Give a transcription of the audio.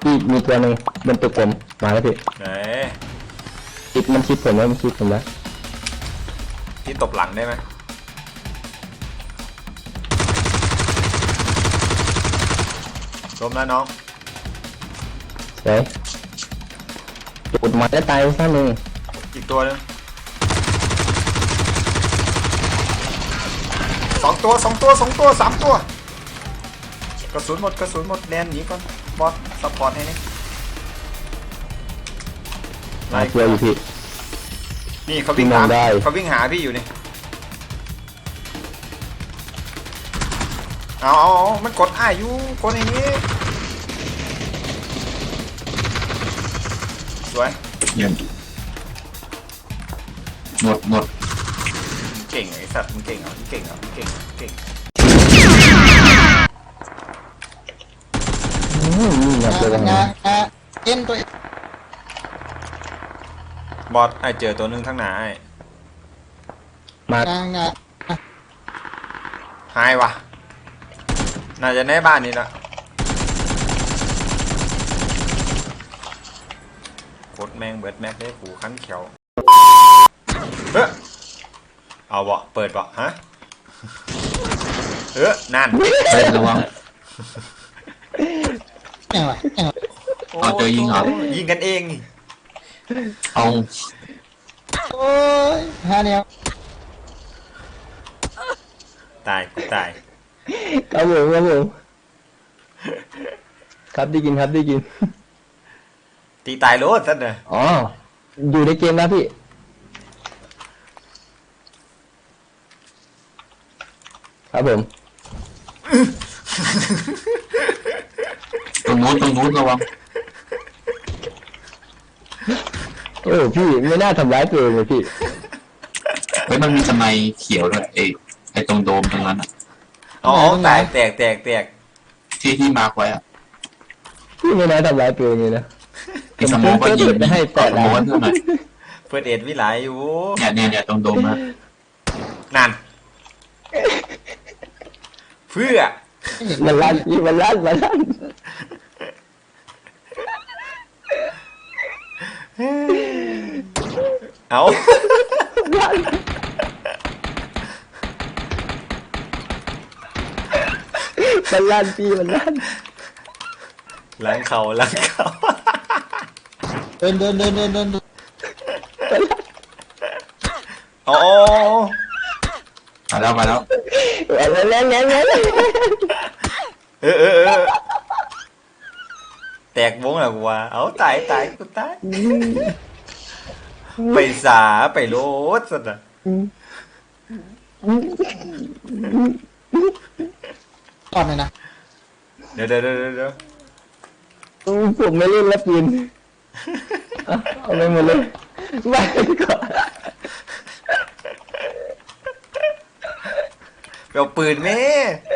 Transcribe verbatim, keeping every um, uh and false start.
พี่มีตัวหนึ่งเป็นตัวกลมมาแล้วพี่ไหนติดมันชิดผมแล้วมันชิดผมแล้วพี่ตบหลังได้ไหมล้มแล้วน้องเฮ้ยจุดมาได้ตายซะหนึ่งอีกตัวนึงสองตัวสองตัวสองตัวสามตัวกระสุนหมดกระสุนหมดแดนหนีก่อนบอสซัพพอร์ตให้นี่มาเที่ยวอยู่พี่นี่เขาวิ่งหาเขาวิ่งหาพี่อยู่นี่เอาเอามันกดอ้ายอยู่กดอย่างนี้สวยเยี่ยมหมดหมดเก่งไอ้สัตว์มึงเก่งเหรอมึงเก่งเหรอมึงเก่งเก่งงานงานเอ็นตัวบอสไอเจอตัวนึงทั้งหนาไอมาหายวะน่าจะในบ้านนี้ละกดแมงเบิดแม็กได้หูขั้นเขียวเฮ้ยเอาบ่เปิดบ่ฮะเฮ้ยนั่นเฮ้ยระวังยังไงยังไงเอาเจอยิงเหรอยิงกันเองนี่เอาโอ้ยฮะเนี่ยตายกูตายครับผมครับผมครับได้กินครับได้กินตีตายโลดสัตว์เนี่ยอ๋ออยู่ในเกมนะพี่ครับผมตรงนู้นตรงนู้นระวังโอ้พี่ไม่น่าทำร้ายตัวเองเลยพี่เฮ้ยมันมีทำไมเขียวด้วยไอ้ไอ้ตรงโดมตรงนั้นอ่ะอ๋อแตกแตกแตกแตกที่ที่มาร์คไว้อ่ะพี่ไม่น่าทำร้ายตัวเองเลยนะไอ้สมองก็ยิงให้แตกสมองเท่าไหร่เพื่อเอ็ดวิไลอยู่เนี่ยเนี่ยเนี่ยตรงโดมนะนั่นเพื่อมันลั่นพี่มันลั่นมันลั่นเอามันลั่นพี่มันลั่นล้างเขาล้างเขาเดินเดินเดินเดินเดินโอ้มาแล้วมาแล้วแล้วแล้วแล้วแล้วเออเออเออแตกวงแล้วกูว่าเอาตายตายกูตายไปสาไปโลดสุดอ่ะก่อนเลยนะเดี๋ยวเดี๋ยวเดี๋ยวเดี๋ยวผมไม่เล่นแล้วปืนเอาไปหมดเลยไปก่อนไปเอาปืนแม่